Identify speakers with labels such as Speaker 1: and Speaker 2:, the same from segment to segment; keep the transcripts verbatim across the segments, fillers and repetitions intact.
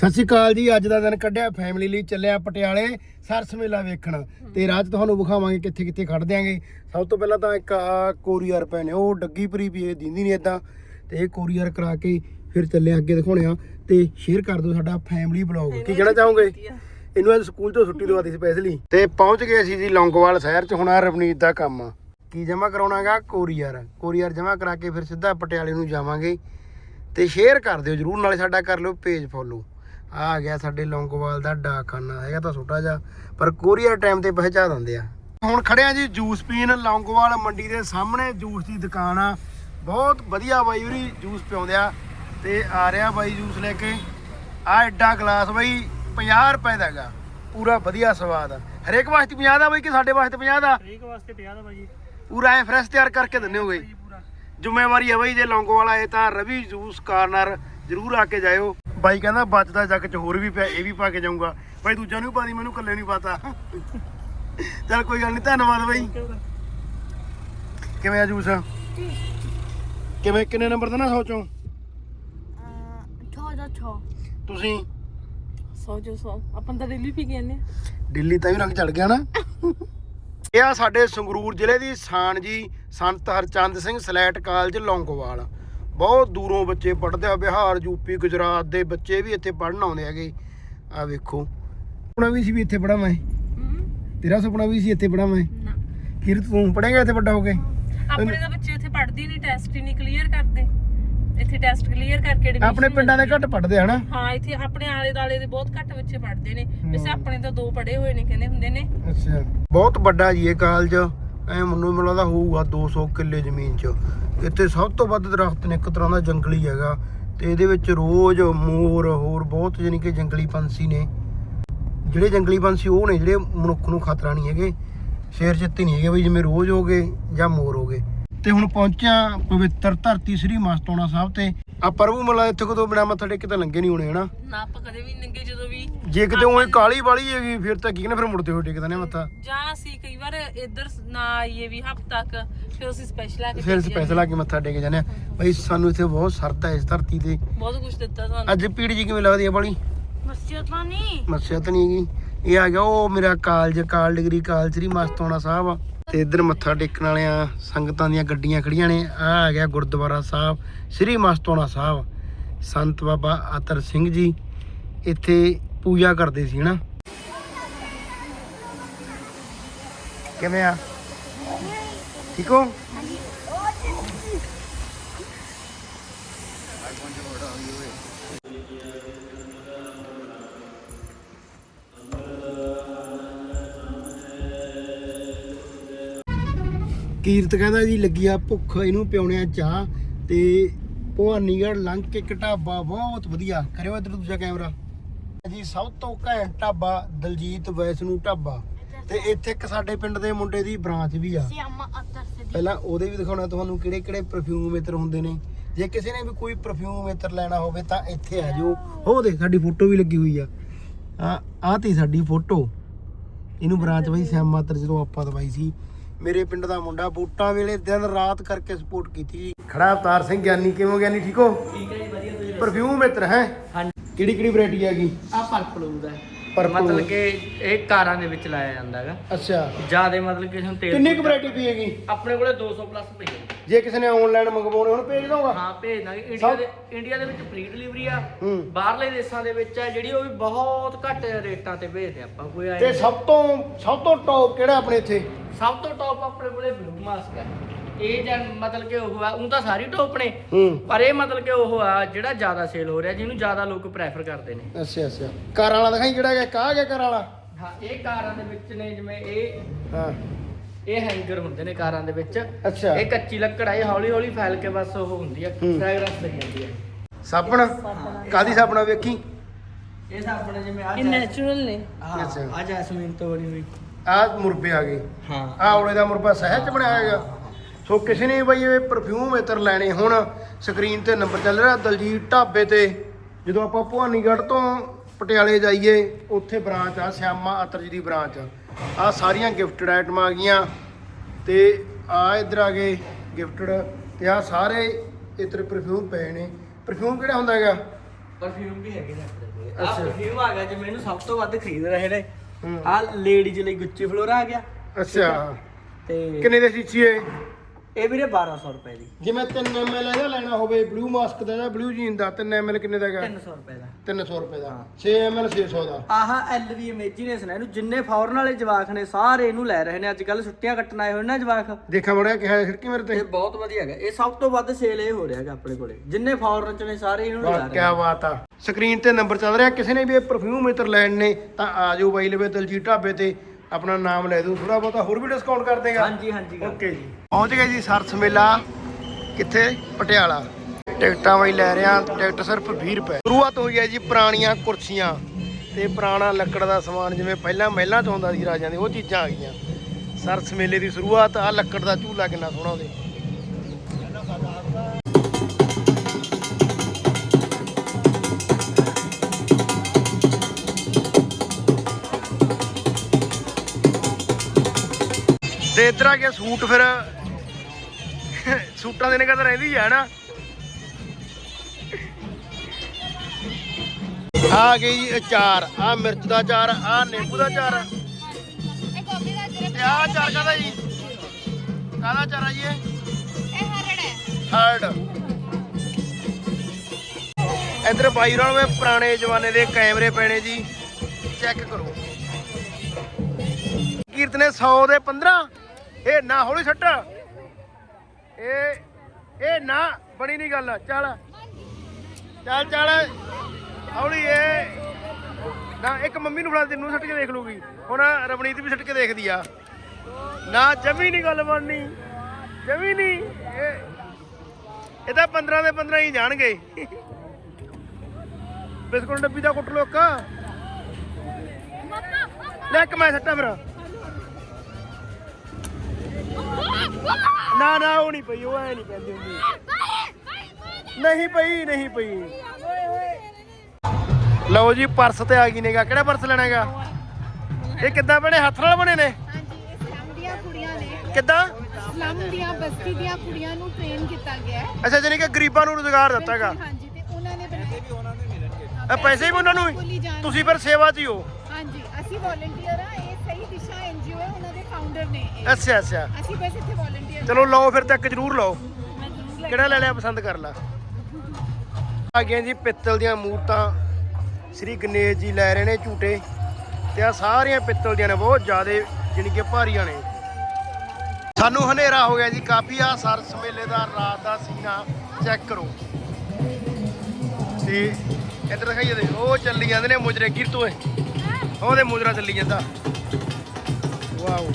Speaker 1: ਸਤਿ ਸ਼੍ਰੀ ਅਕਾਲ ਜੀ। ਅੱਜ ਦਾ ਦਿਨ ਕੱਢਿਆ ਫੈਮਿਲੀ ਲਈ, ਚੱਲਿਆ ਪਟਿਆਲੇ ਸਰਸ ਮੇਲਾ ਵੇਖਣ ਤੇ ਰਾਹ 'ਚ ਤੁਹਾਨੂੰ ਵਿਖਾਵਾਂਗੇ ਕਿੱਥੇ ਕਿੱਥੇ ਖੜ ਦਿਆਂਗੇ। ਸਭ ਤੋਂ ਪਹਿਲਾਂ ਤਾਂ ਇੱਕ ਆ ਕੋਰੀਅਰ ਪਏ ਨੇ, ਉਹ ਡੱਗੀ ਭਰੀ ਵੀ ਇਹ ਦਿੰਦੀ ਨਹੀਂ ਇਦਾਂ, ਤੇ ਇਹ ਕੋਰੀਅਰ ਕਰਾ ਕੇ ਫਿਰ ਚੱਲੇ ਅੱਗੇ ਦਿਖਾਉਣੇ ਆ। ਤੇ ਸ਼ੇਅਰ ਕਰ ਦਿਓ ਸਾਡਾ ਫੈਮਿਲੀ ਬਲੌਗ। ਕੀ ਕਹਿਣਾ ਚਾਹੋਗੇ? ਇਹਨੂੰ ਅੱਜ ਸਕੂਲ ਤੋਂ ਛੁੱਟੀ ਦਵਾਤੀ ਸਪੈਸ਼ਲੀ ਤੇ ਪਹੁੰਚ ਗਏ ਅਸੀਂ ਜੀ ਲੌਂਗੋਵਾਲ ਸ਼ਹਿਰ 'ਚ। ਹੁਣ ਆ ਰਵਨੀਤ ਦਾ ਕੰਮ ਆ, ਕੀ ਜਮ੍ਹਾਂ ਕਰਾਉਣਾਗਾ? ਕੋਰੀਅਰ ਕੋਰੀਅਰ ਜਮ੍ਹਾਂ ਕਰਾ ਕੇ ਫਿਰ ਸਿੱਧਾ ਪਟਿਆਲੇ ਨੂੰ ਜਾਵਾਂਗੇ। ਤੇ ਸ਼ੇਅਰ ਕਰ ਦਿਓ ਜਰੂਰ, ਨਾਲੇ ਸਾਡਾ ਕਰ ਲਿਓ ਪੇਜ ਫੋਲੋ। ਆ ਗਿਆ ਸਾਡੇ ਲੌਂਗੋਵਾਲ ਦਾ ਡਾਕਖਾਨਾ, ਹੈਗਾ ਤਾਂ ਛੋਟਾ ਜਿਹਾ ਪਰ ਕੋਰੀਅਰ ਟਾਈਮ ਤੇ ਪਹੁੰਚਾ ਦਿੰਦੇ ਆ। ਹੁਣ ਖੜਿਆ ਜੀ ਜੂਸ ਪੀਣ, ਲੌਂਗੋਵਾਲ ਮੰਡੀ ਦੇ ਸਾਹਮਣੇ ਜੂਸ ਦੀ ਦੁਕਾਨ ਆ, ਬਹੁਤ ਵਧੀਆ ਬਾਈ ਉਰੀ ਜੂਸ ਪਿਆਉਂਦੇ ਆ। ਤੇ ਆ ਰਿਹਾ ਬਾਈ ਜੂਸ ਲੈ ਕੇ। ਆ ਐਡਾ ਗਲਾਸ ਬਾਈ ਪੰਜਾਹ ਰੁਪਏ ਦਾ ਹੈਗਾ, ਪੂਰਾ ਵਧੀਆ ਸਵਾਦ ਆ। ਹਰੇਕ ਵਾਸਤੇ ਪੰਜਾਹ ਦਾ ਬਾਈ ਕਿ ਸਾਡੇ ਵਾਸਤੇ ਪੰਜਾਹ ਦਾ? ਹਰੇਕ ਵਾਸਤੇ ਪੰਜਾਹ ਦਾ ਬਾਈ, ਪੂਰਾ ਐ ਫਰੈਸ਼ ਤਿਆਰ ਕਰਕੇ ਦਿੰਦੇ ਹੋਗੇ। ਜ਼ਿੰਮੇਵਾਰੀ ਆ ਬਾਈ, ਜੇ ਲੌਂਗੋਵਾਲ ਆਏ ਤਾਂ ਰਵੀ ਜੂਸ ਕਾਰਨਰ ਜ਼ਰੂਰ ਆ ਕੇ ਜਾਇਓ। ਬਾਈ ਕਹਿੰਦਾ ਬਚਦਾ ਜੱਗ 'ਚ ਹੋਰ ਵੀ ਪਿਆ, ਇਹ ਵੀ ਪਾ ਕੇ ਜਾਊਂਗਾ। ਬਾਈ ਦੂਜਾ ਨੂੰ ਪਾ ਦੀ, ਮੈਨੂੰ ਇਕੱਲੇ ਨਹੀਂ ਪਤਾ। ਚੱਲ ਕੋਈ ਗੱਲ ਨਹੀਂ, ਧੰਨਵਾਦ ਬਾਈ। ਕਿਵੇਂ ਆ ਜੂਸ? ਕਿਵੇਂ ਕਿੰਨੇ ਨੰਬਰ ਦਾ? ਨਾ ਸੋਚੋ ਤੁਸੀਂ
Speaker 2: ਸੌ ਜੋ ਸੌ ਆਪਾਂ ਤਾਂ ਦਿੱਲੀ ਵੀ ਗਏ ਨੇ।
Speaker 1: ਦਿੱਲੀ ਤਾਂ ਵੀ ਰੰਗ ਚੜ ਗਿਆ ਨਾ। ਇਹ ਆ ਸਾਡੇ ਸੰਗਰੂਰ ਜ਼ਿਲ੍ਹੇ ਦੀ ਸਾਨ ਜੀ, ਸੰਤ ਹਰਚੰਦ ਸਿੰਘ ਸਲੈਟ ਕਾਲਜ ਲੌਂਗੋਵਾਲ। ਬਹੁਤ ਦੂਰੋਂ ਬੱਚੇ ਪੜ੍ਹਦੇ ਆ, ਬਿਹਾਰ, ਯੂਪੀ, ਗੁਜਰਾਤ ਦੇ ਬੱਚੇ ਵੀ ਇੱਥੇ ਪੜ੍ਹਨ ਆਉਂਦੇ ਹੈਗੇ। ਆ ਵੇਖੋ, ਸੁਪਨਾ ਵੀ ਸੀ ਵੀ ਇੱਥੇ ਪੜ੍ਹਾਂ ਮੈਂ। ਤੇਰਾ ਸੁਪਨਾ ਵੀ ਸੀ ਇੱਥੇ ਪੜ੍ਹਾਂ ਮੈਂ? ਫਿਰ ਤੂੰ ਪੜ੍ਹੇਗਾ ਇੱਥੇ ਵੱਡਾ ਹੋ ਕੇ?
Speaker 2: ਆਪਣੇ ਤਾਂ ਬੱਚੇ ਇੱਥੇ ਪੜ੍ਹਦੇ ਨਹੀਂ, ਟੈਸਟ ਹੀ ਨਹੀਂ ਕਲੀਅਰ ਕਰਦੇ। ਇੱਥੇ ਟੈਸਟ ਕਲੀਅਰ ਕਰਕੇ ਐਡਮਿਸ਼ਨ
Speaker 1: ਆਪਣੇ ਪਿੰਡਾਂ ਦੇ ਘੱਟ ਪੜ੍ਹਦੇ ਹਨਾ?
Speaker 2: ਹਾਂ, ਇੱਥੇ ਆਪਣੇ ਆਲੇ ਦਾਲੇ ਦੇ ਬਹੁਤ ਘੱਟ ਬੱਚੇ ਪੜ੍ਹਦੇ ਨੇ। ਵੈਸੇ ਆਪਣੇ ਤਾਂ ਦੋ ਪੜ੍ਹੇ ਹੋਏ ਨੇ ਕਹਿੰਦੇ ਹੁੰਦੇ ਨੇ।
Speaker 1: ਅੱਛਾ, ਬਹੁਤ ਵੱਡਾ ਜੀ ਇਹ ਕਾਲਜ। ਐ ਮੈਨੂੰ ਮੈਨੂੰ ਲੱਗਦਾ ਹੋਊਗਾ ਦੋ ਸੌ ਕਿੱਲੇ ਜ਼ਮੀਨ 'ਚ। ਇੱਥੇ ਸਭ ਤੋਂ ਵੱਧ ਦਰਖਤ ਨੇ, ਇੱਕ ਤਰ੍ਹਾਂ ਦਾ ਜੰਗਲੀ ਹੈਗਾ। ਤੇ ਇਹਦੇ ਵਿੱਚ ਰੋਜ਼ ਮੋਰ, ਹੋਰ ਬਹੁਤ ਯਾਨੀ ਕਿ ਜੰਗਲੀ ਪੰਛੀ ਨੇ। ਜਿਹੜੇ ਜੰਗਲੀ ਪੰਛੀ ਉਹ ਨੇ ਜਿਹੜੇ ਮਨੁੱਖ ਨੂੰ ਖਤਰਾ ਨਹੀਂ ਹੈਗੇ, ਸ਼ੇਰ ਚਿੱਤੇ ਨਹੀਂ ਹੈਗੇ ਬਈ, ਜਿਵੇਂ ਰੋਜ਼ ਹੋ ਗਏ ਜਾਂ ਮੋਰ ਹੋ ਗਏ। ਤੇ ਹੁਣ ਪਹੁੰਚਿਆ ਪਵਿੱਤਰ ਧਰਤੀ ਸ੍ਰੀ ਮਸਤੋਣਾ ਸਾਹਿਬ ਤੇ। ਆ ਪ੍ਰਭੂ ਮਲਾ ਇੱਥੇ ਕਦੋਂ ਬਿਨਾਂ ਮੱਥਾ ਟੇਕੇ ਤਾਂ ਲੰਗੇ ਨਹੀਂ ਹੋਣੇ ਹਨਾ?
Speaker 2: ਨਾ, ਆਪਾਂ ਕਦੇ ਵੀ ਨੰਗੇ। ਜਦੋਂ ਵੀ
Speaker 1: ਜੇ ਕਿਤੇ ਉਹ ਕਾਲੀ ਵਾਲੀ ਹੈਗੀ ਫਿਰ ਤਾਂ ਕੀ ਕਹਿੰਦੇ, ਫਿਰ ਮੁੜਦੇ ਹੋਏ ਟੇਕਦਾ ਨੇ ਮੱਥਾ।
Speaker 2: ਜਾਂ ਅਸੀਂ ਕਈ ਵਾਰ ਇੱਧਰ ਨਾ ਆਈਏ ਵੀ ਹਫ਼ਤਾ ਤੱਕ, ਫਿਰ ਅਸੀਂ ਸਪੈਸ਼ਲ ਆ ਕੇ
Speaker 1: ਫਿਰ ਸਪੈਸ਼ਲ ਆ ਕੇ ਮੱਥਾ ਟੇਕ ਜਾਂਦੇ ਆ। ਬਈ ਸਾਨੂੰ ਇੱਥੇ ਬਹੁਤ ਸਰਦਾ ਇਸ ਧਰਤੀ ਤੇ,
Speaker 2: ਬਹੁਤ ਕੁਝ ਦਿੱਤਾ ਤੁਹਾਨੂੰ।
Speaker 1: ਅੱਜ ਭੀੜ ਜੀ ਕਿਵੇਂ ਲੱਗਦੀ ਆ ਬਾਲੀ?
Speaker 2: ਮੱਸਿਆ ਤਾਂ ਨਹੀਂ,
Speaker 1: ਮੱਸਿਆ ਤਾਂ ਨਹੀਂ ਹੈਗੀ। ਇਹ ਆ ਗਿਆ ਉਹ ਮੇਰਾ ਕਾਲਜ, ਕਾਲ ਡਿਗਰੀ ਕਾਲਜ ਸ੍ਰੀ ਮਸਤੋਣਾ ਸਾਹਿਬ। ਤੇ ਇੱਧਰ ਮੱਥਾ ਟੇਕਣ ਵਾਲਿਆਂ ਸੰਗਤਾਂ ਦੀਆਂ ਗੱਡੀਆਂ ਖੜੀਆਂ ਨੇ। ਆ ਆ ਗਿਆ ਗੁਰਦੁਆਰਾ ਸਾਹਿਬ ਸ੍ਰੀ ਮਸਤੋਣਾ ਸਾਹਿਬ। ਸੰਤ ਬਾਬਾ ਅਤਰ ਸਿੰਘ ਜੀ ਇੱਥੇ ਪੂਜਾ ਕਰਦੇ ਸੀ ਹਨਾ? ਕਿਵੇਂ ਆ? ਠੀਕ ਹੋ? ਕੀਰਤ ਕਹਿੰਦਾ ਜੀ ਲੱਗੀ ਆ ਭੁੱਖ, ਇਹਨੂੰ ਪਿਉਣਿਆ ਚਾਹ। ਤੇ ਭਵਾਨੀਗੜ੍ਹ ਲੰਘ ਕੇ ਇੱਕ ਢਾਬਾ ਬਹੁਤ ਵਧੀਆ, ਕਰਿਓ ਇੱਧਰ ਦੂਜਾ ਕੈਮਰਾ ਜੀ, ਸਭ ਤੋਂ ਘੈਂਟ ਢਾਬਾ ਦਲਜੀਤ ਵੈਸ਼ਨੂ ਢਾਬਾ। ਤੇ ਇੱਥੇ ਇੱਕ ਸਾਡੇ ਪਿੰਡ ਦੇ ਮੁੰਡੇ ਦੀ ਬ੍ਰਾਂਚ ਵੀ ਆ, ਪਹਿਲਾਂ ਉਹਦੇ ਵੀ ਦਿਖਾਉਣਾ ਤੁਹਾਨੂੰ ਕਿਹੜੇ ਕਿਹੜੇ ਪਰਫਿਊਮ ਇਤਰ ਹੁੰਦੇ ਨੇ। ਜੇ ਕਿਸੇ ਨੇ ਵੀ ਕੋਈ ਪਰਫਿਊਮ ਇਤਰ ਲੈਣਾ ਹੋਵੇ ਤਾਂ ਇੱਥੇ ਆ ਜਾਓ। ਹੋ ਦੇ ਸਾਡੀ ਫੋਟੋ ਵੀ ਲੱਗੀ ਹੋਈ ਆ, ਆ ਆ ਤੀ ਸਾਡੀ ਫੋਟੋ। ਇਹਨੂੰ ਬ੍ਰਾਂਚ ਬਾਈ ਸ਼ਿਆਮ ਮਾਤਰ ਜਦੋਂ ਆਪਾਂ ਦਵਾਈ ਸੀ। ਮੇਰੇ ਪਿੰਡ ਦਾ ਮੁੰਡਾ, ਵੋਟਾਂ ਵੇਲੇ ਦਿਨ ਰਾਤ ਕਰਕੇ ਸਪੋਰਟ ਕੀਤੀ ਜੀ। ਖੜਾ ਅਵਤਾਰ ਸਿੰਘ ਗਿਆਨੀ। ਕਿਵੇਂ ਗਿਆਨੀ? ਠੀਕ ਹੋ?
Speaker 3: ਠੀਕ ਹੈ ਜੀ, ਵਧੀਆ। ਤੁਸੀਂ
Speaker 1: ਪਰਫਿਊਮ ਮਿੱਤਰ ਹੈ?
Speaker 3: ਹਾਂਜੀ।
Speaker 1: ਕਿਹੜੀ ਕਿਹੜੀ ਵੈਰਾਈਟੀ ਹੈਗੀ?
Speaker 3: ਆ ਪਰਪਲ ਦਾ
Speaker 1: Purple
Speaker 3: ਮਤਲਬ ਕਿ ਇਹ ਕਾਰਾਂ ਦੇ ਵਿੱਚ ਲਾਇਆ ਜਾਂਦਾ ਹੈਗਾ।
Speaker 1: ਅੱਛਾ,
Speaker 3: ਜਿਆਦੇ ਮਤਲਬ ਕਿ ਹੁਣ ਤੇਲ
Speaker 1: ਕਿੰਨੀ ਕੁ ਵੈਰਾਈਟੀ ਪਈ ਹੈਗੀ?
Speaker 3: ਆਪਣੇ ਕੋਲੇ ਦੋ ਸੌ ਪਲੱਸ ਪਈ ਹੈ।
Speaker 1: ਜੇ ਕਿਸੇ ਨੇ ਆਨਲਾਈਨ ਮੰਗਵਾਉਣੇ ਹੁਣ ਭੇਜ ਦੋਗਾ?
Speaker 3: ਹਾਂ, ਭੇਜ ਦਾਂਗੇ। ਇੰਡੀਆ ਦੇ ਇੰਡੀਆ ਦੇ ਵਿੱਚ ਫ੍ਰੀ ਡਿਲੀਵਰੀ ਆ।
Speaker 1: ਹੂੰ।
Speaker 3: ਬਾਹਰਲੇ ਦੇਸ਼ਾਂ ਦੇ ਵਿੱਚ ਆ ਜਿਹੜੀ, ਉਹ ਵੀ ਬਹੁਤ ਘੱਟ ਰੇਟਾਂ ਤੇ ਭੇਜਦੇ ਆਪਾਂ। ਕੋਈ ਆਏ
Speaker 1: ਤੇ ਸਭ ਤੋਂ ਸਭ ਤੋਂ ਟੌਪ ਕਿਹੜਾ ਆਪਣੇ ਇੱਥੇ?
Speaker 3: ਸਭ ਤੋਂ ਟੌਪ ਆਪਣੇ ਕੋਲੇ ਬਲੂ ਮਾਸਕ ਹੈ। ਇਹ ਜਾਂ ਮਤਲਬ ਕਿ ਉਹ ਆ, ਉਹ ਤਾਂ ਸਾਰੀ ਟੌਪ ਨੇ,
Speaker 1: ਹੂੰ,
Speaker 3: ਪਰ ਇਹ ਮਤਲਬ ਕਿ ਉਹ ਆ ਜਿਹੜਾ ਜ਼ਿਆਦਾ ਸੇਲ ਹੋ ਰਿਹਾ, ਜਿਹਨੂੰ ਜ਼ਿਆਦਾ ਲੋਕ ਪ੍ਰੈਫਰ ਕਰਦੇ ਨੇ।
Speaker 1: ਅੱਛਾ ਅੱਛਾ। ਕਾਰ ਵਾਲਾ ਦਿਖਾਈ ਕਿਹੜਾ ਹੈਗਾ? ਕਾ ਗਿਆ ਕਾਰ ਵਾਲਾ?
Speaker 3: ਹਾਂ, ਇਹ ਕਾਰਾਂ ਦੇ ਵਿੱਚ ਨੇ, ਜਿਵੇਂ ਇਹ
Speaker 1: ਹਾਂ,
Speaker 3: ਇਹ ਹੈਂਗਰ ਹੁੰਦੇ ਨੇ ਕਾਰਾਂ ਦੇ ਵਿੱਚ।
Speaker 1: ਅੱਛਾ।
Speaker 3: ਇਹ ਕੱਚੀ ਲੱਕੜ ਆ, ਇਹ ਹੌਲੀ ਹੌਲੀ ਫੈਲ ਕੇ ਬਸ ਉਹ ਹੁੰਦੀ ਆ,
Speaker 1: ਹੂੰ।
Speaker 3: ਫ੍ਰੈਗਰੈਂਸ ਦੇਈ ਜਾਂਦੀ ਆ।
Speaker 1: ਸਾਬਣ ਕਾਦੀ ਸਾਬਣਾ ਵੇਖੀ?
Speaker 3: ਇਹ ਤਾਂ ਆਪਣੇ ਜਿਵੇਂ ਆ
Speaker 2: ਇਹ ਨੈਚੁਰਲ ਨੇ।
Speaker 3: ਹਾਂ,
Speaker 1: ਅੱਛਾ।
Speaker 3: ਆ ਜੈਸਮੀਨ ਤੋਂ ਬਣੀ ਹੋਈ।
Speaker 1: ਆ ਮੁਰਬੇ ਆ ਗਏ।
Speaker 3: ਹਾਂ,
Speaker 1: ਆ ਔਲੇ ਦਾ ਮੁਰਬਾ ਸਹਿਜ ਬਣਾਇਆ ਹੈਗਾ। ਸੋ ਕਿਸੇ ਨੇ ਬਈ ਇਹ ਪਰਫਿਊਮ ਇਤਰ ਲੈਣੇ, ਹੁਣ ਸਕਰੀਨ ਤੇ ਨੰਬਰ ਚੱਲ ਰਿਹਾ ਦਲਜੀਤ ਢਾਬੇ ਤੇ। ਜਦੋਂ ਆਪਾਂ ਭਵਾਨੀਗੜ੍ਹ ਤੋਂ ਪਟਿਆਲੇ ਜਾਈਏ, ਉੱਥੇ ਬ੍ਰਾਂਚ ਆ ਸ਼ਿਆਮਾ ਅਤਰ ਜੀ ਦੀ ਬ੍ਰਾਂਚ। ਆ ਸਾਰੀਆਂ ਗਿਫਟਡ ਆਈਟਮਾਂ ਆ ਗਈਆਂ। ਤੇ ਆ ਇੱਧਰ ਆ ਗਏ ਗਿਫਟਡ। ਤੇ ਆ ਸਾਰੇ ਇਤਰ ਪਰਫਿਊਮ ਪਏ ਨੇ। ਪਰਫਿਊਮ ਕਿਹੜਾ ਹੁੰਦਾ ਹੈਗਾ?
Speaker 3: ਪਰਫਿਊਮ ਵੀ ਹੈਗੇ ਨੇ ਆਪਣੇ ਕੋਲੇ। ਆ ਪਰਫਿਊਮ ਆ ਗਿਆ ਜਿਵੇਂ ਇਹਨੂੰ ਸਭ ਤੋਂ ਵੱਧ ਖਰੀਦ ਰਹੇ ਨੇ। ਆ ਲੇਡੀਜ਼ ਲਈ ਗੁੱਚੀ ਫਲੋਰਾ ਆ ਗਿਆ।
Speaker 1: ਅੱਛਾ
Speaker 3: ਤੇ
Speaker 1: ਕਿੰਨੇ ਦੇ ਸੀਚੀ ਇਹ
Speaker 3: ਇਹ ਵੀਰੇ ਬਾਰਾਂ ਸੌ ਰੁਪਏ ਦੀ।
Speaker 1: ਜਿਵੇਂ ਤਿੰਨ ਐਮ ਐਲ ਇਹਦਾ ਲੈਣਾ ਹੋਵੇ ਬਲੂ ਮਾਸਕ ਦਾ ਜਾਂ ਬਲੂ ਜੀਨ ਦਾ ਤਿੰਨ ਐਮ ਐਲ ਕਿੰਨੇ ਦਾ ਹੈਗਾ
Speaker 3: ਤਿੰਨ ਸੌ ਰੁਪਏ ਦਾ।
Speaker 1: ਤਿੰਨ ਸੌ ਰੁਪਏ ਦਾ। ਛੇ ਐਮ ਐਲ ਛੇ ਸੌ ਦਾ।
Speaker 3: ਆਹ ਐਲ ਵੀ ਇਮੇਜਿਨੇਸ਼ਨ ਹੈ, ਇਹਨੂੰ ਜਿੰਨੇ ਫੌਰਨ ਵਾਲੇ ਜਵਾਕ ਨੇ ਸਾਰੇ ਇਹਨੂੰ ਲੈ ਰਹੇ ਨੇ। ਅੱਜ ਕੱਲ ਛੁੱਟੀਆਂ ਕੱਟਣ ਆਏ ਹੋਏ ਨਾ ਜਵਾਕ।
Speaker 1: ਦੇਖਾ ਬੜਿਆ ਕਿਹਾ ਖਿੜਕੀ ਮੇਰੇ ਤੇ
Speaker 3: ਇਹ ਬਹੁਤ ਵਧੀਆ ਹੈਗਾ। ਇਹ ਸਭ ਤੋਂ ਵੱਧ ਸੇਲ ਇਹ ਹੋ ਰਿਹਾ ਹੈਗਾ ਆਪਣੇ ਕੋਲੇ। ਜਿੰਨੇ ਫੌਰਨ ਚ ਨੇ ਸਾਰੇ ਇਹਨੂੰ ਲੈ ਰਹੇ ਨੇ।
Speaker 1: ਕੀ ਬਾਤ ਆ। ਸਕਰੀਨ ਤੇ ਨੰਬਰ ਚੱਲ ਰਿਹਾ, ਕਿਸੇ ਨੇ ਵੀ ਇਹ ਪਰਫਿਊਮ ਇਤਰ ਲੈਣ ਨੇ ਤਾਂ ਆ ਜਾਓ ਬਾਈ ਲਵੇ ਦਲਜੀਤ ਢਾਬੇ ਤੇ, ਆਪਣਾ ਨਾਮ ਲੈ ਦੂੰ, ਥੋੜਾ ਬਹੁਤਾ ਹੋਰ ਵੀ ਡਿਸਕਾਊਂਟ ਕਰ ਦੇਗਾ।
Speaker 3: ਹਾਂਜੀ ਹਾਂਜੀ
Speaker 1: ਓਕੇ ਜੀ। ਪਹੁੰਚ ਗਏ ਜੀ ਸਰਸ ਮੇਲਾ, ਕਿੱਥੇ? ਪਟਿਆਲਾ। ਟਿਕਟਾਂ ਬਾਈ ਲੈ ਰਿਹਾ, ਟਿਕਟ ਸਿਰਫ ਵੀਹ ਰੁਪਏ। ਸ਼ੁਰੂਆਤ ਹੋਈ ਹੈ ਜੀ ਪੁਰਾਣੀਆਂ ਕੁਰਸੀਆਂ ਤੇ ਪੁਰਾਣਾ ਲੱਕੜ ਦਾ ਸਮਾਨ, ਜਿਵੇਂ ਪਹਿਲਾਂ ਮਹਿਲਾਂ ਚ ਹੁੰਦਾ ਸੀ ਰਾਜਿਆਂ ਦੇ, ਉਹ ਚੀਜ਼ਾਂ ਆ ਗਈਆਂ। ਸਰਸ ਮੇਲੇ ਦੀ ਸ਼ੁਰੂਆਤ ਆ ਲੱਕੜ ਦਾ ਝੂਲਾ ਕਿੰਨਾ ਸੋਹਣਾ ਉਹਦੇ। ਤੇ ਇੱਧਰ ਆ ਗਿਆ ਸੂਟ, ਫਿਰ ਸੂਟਾਂ ਦੇ ਨੇ ਕਦਰ ਰਹਿੰਦੀ ਆ ਨਾ। ਆ ਗਈ ਜੀ ਅਚਾਰ, ਆ ਮਿਰਚ ਦਾ ਅਚਾਰ, ਆ ਨਿੰਬੂ ਦਾ ਅਚਾਰ, ਤੇ ਆ ਅਚਾਰ ਕਾਹਦਾ ਜੀ? ਕਾਹਦਾ ਅਚਾਰ ਆ ਜੀ ਇਹ?
Speaker 4: ਇਹ ਹਰੜ ਹੈ।
Speaker 1: ਹਰੜ। ਇੱਧਰ ਬਾਈ ਹੋਰਾਂ ਨੂੰ ਪੁਰਾਣੇ ਜ਼ਮਾਨੇ ਦੇ ਕੈਮਰੇ ਪੈਣੇ ਜੀ, ਚੈੱਕ ਕਰੋ। ਕੀਰਤਨੇ ਸੌ ਦੇ ਪੰਦਰਾਂ। ਇਹ ਨਾ ਹੌਲੀ ਛੱਟ, ਇਹ ਇਹ ਨਾ ਬਣੀ ਨਹੀਂ ਗੱਲ। ਚੱਲ ਚੱਲ ਚੱਲ ਹੌਲੀ। ਇਹ ਨਾ ਇੱਕ ਮੰਮੀ ਨੂੰ ਫੜਾ, ਤੈਨੂੰ ਛੱਟ ਕੇ ਦੇਖ ਲੂਗੀ ਹੁਣ। ਰਵਨੀਤ ਵੀ ਛੱਟ ਕੇ ਦੇਖਦੀ ਆ ਨਾ। ਜਮੀ ਨਹੀਂ ਗੱਲ ਬਣਨੀ, ਜਮੀ ਨਹੀਂ। ਇਹ ਇਹ ਤਾਂ ਪੰਦਰਾਂ ਦੇ ਪੰਦਰਾਂ ਹੀ ਜਾਣਗੇ। ਬਿਸਕੁਟ ਡੱਬੀ ਦਾ ਕੁੱਟ ਲੋ ਇੱਕ, ਲੈ ਇੱਕ ਮੈਂ ਛੱਟਾਂ ਫਿਰ। ਨਾ ਨਾ ਉਹ ਨਹੀਂ ਪਈ, ਉਹ ਐ ਨਹੀਂ ਕਹਿੰਦੀ ਹੁੰਦੀ। ਨਹੀਂ ਪਈ, ਨਹੀਂ ਪਈ। ਲਓ ਜੀ ਪਰਸ ਤੇ ਆ ਗਈ ਨੇਗਾ। ਕਿਹੜਾ ਪਰਸ ਲੈਣਾ ਹੈਗਾ? ਇਹ ਕਿੱਦਾਂ ਬਣੇ? ਹੱਥ ਨਾਲ ਬਣੇ ਨੇ?
Speaker 4: ਹਾਂਜੀ, ਇਹ ਸਲਮ ਦੀਆਂ ਕੁੜੀਆਂ ਨੇ।
Speaker 1: ਕਿੱਦਾਂ?
Speaker 4: ਸਲਮ ਦੀਆਂ ਬਸਤੀ ਦੀਆਂ ਕੁੜੀਆਂ ਨੂੰ ਟ੍ਰੇਨ ਕੀਤਾ ਗਿਆ ਹੈ।
Speaker 1: ਅੱਛਾ, ਜਾਨੀ ਕਿ ਗਰੀਬਾਂ ਨੂੰ ਰੁਜ਼ਗਾਰ ਦਿੱਤਾ ਹੈਗਾ।
Speaker 4: ਹਾਂਜੀ, ਤੇ ਉਹਨਾਂ ਨੇ ਬਣਾਏ।
Speaker 1: ਇਹ ਪੈਸੇ ਵੀ ਉਹਨਾਂ ਨੂੰ ਹੀ? ਤੁਸੀਂ ਫਿਰ ਸੇਵਾ 'ਚ ਹੀ ਹੋ?
Speaker 4: ਹਾਂਜੀ, ਅਸੀਂ ਵੋਲੰਟੀਅਰ ਆ। ਇਹ ਸਹੀ ਦਿਸ਼ਾ ਐਨਜੀਓ ਹੈ, ਉਹਨਾਂ ਦੇ ਫਾਊਂਡਰ ਨੇ ਇਹ।
Speaker 1: ਅੱਛਾ ਅੱਛਾ,
Speaker 4: ਅਸੀਂ ਬਸ ਇੱਥੇ ਵੋਲੰਟੀਅਰ।
Speaker 1: ਚਲੋ ਲਓ ਫਿਰ ਤੱਕ ਜ਼ਰੂਰ ਲਓ। ਕਿਹੜਾ ਲੈ ਲਿਆ ਪਸੰਦ ਕਰ ਲਾ। ਆ ਗਈਆਂ ਜੀ ਪਿੱਤਲ ਦੀਆਂ ਮੂਰਤਾਂ। ਸ੍ਰੀ ਗਣੇਸ਼ ਜੀ ਲੈ ਰਹੇ ਨੇ ਝੂਟੇ, ਤੇ ਆ ਸਾਰੀਆਂ ਪਿੱਤਲ ਦੀਆਂ ਨੇ, ਬਹੁਤ ਜ਼ਿਆਦਾ ਜਾਣੀ ਕਿ ਭਾਰੀਆਂ ਨੇ। ਸਾਨੂੰ ਹਨੇਰਾ ਹੋ ਗਿਆ ਜੀ ਕਾਫੀ। ਆ ਸਰਸ ਮੇਲੇ ਦਾ ਰਾਤ ਦਾ ਸੀਨਾ ਚੈੱਕ ਕਰੋ। ਤੇ ਇੱਧਰ ਦਿਖਾਈਏ ਦੇ, ਉਹ ਚੱਲੀ ਜਾਂਦੇ ਨੇ ਮੁਜਰੇ ਗਿਰ ਤੋਂ। ਉਹਦੇ ਮੁਜਰਾ ਚੱਲੀ ਜਾਂਦਾ। ਵਾਓ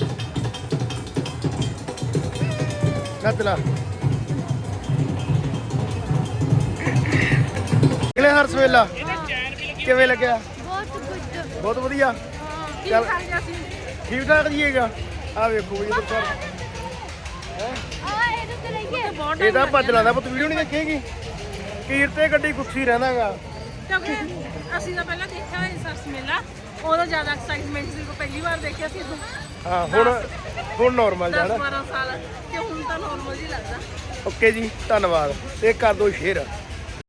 Speaker 1: ਨੱਦਲਾ ਕਿਲੇ ਸਰਸ ਮੇਲਾ ਕਿਵੇਂ ਲੱਗਿਆ?
Speaker 4: ਬਹੁਤ ਗੁੱਡ,
Speaker 1: ਬਹੁਤ ਵਧੀਆ। ਚੱਲ ਠੀਕ ਠਾਕ ਜੀਏਗਾ। ਆ ਵੇਖੋ ਜੀ ਇੱਧਰ ਸਰ।
Speaker 4: ਆ ਇਹਦੇ ਤੇ ਲਈਏ।
Speaker 1: ਇਹ ਤਾਂ ਭੱਜ ਲਾਂਦਾ, ਪੁੱਤ ਵੀਡੀਓ ਨਹੀਂ ਦੇਖੇਗੀ। ਕੀਰ ਤੇ ਗੱਡੀ ਗੁੱਸੀ ਰਹਿੰਦਾਗਾ।
Speaker 2: ਕਿਉਂਕਿ ਅਸੀਂ ਤਾਂ ਪਹਿਲਾਂ ਦੇਖਿਆ ਹੋਇਆ ਸਰਸ ਮੇਲਾ, ਉਹਦਾ ਜ਼ਿਆਦਾ ਐਕਸਾਈਟਮੈਂਟ ਸੀ। ਪਹਿਲੀ ਵਾਰ ਦੇਖਿਆ ਸੀ ਉਦੋਂ।
Speaker 1: ਹਾਂ ਹੁਣ ਹੁਣ ਨਾਰਮਲ
Speaker 2: ਦਸ
Speaker 1: ਜਾਣਾ।
Speaker 2: ਬਾਰਾਂ ਸਾਲ, ਤੇ ਹੁਣ ਤਾਂ ਨਾਰਮਲ ਹੀ ਲੱਗਦਾ।
Speaker 1: ਓਕੇ ਜੀ, ਧੰਨਵਾਦ। ਤੇ ਕਰ ਦਿਓ ਸ਼ੇਅਰ।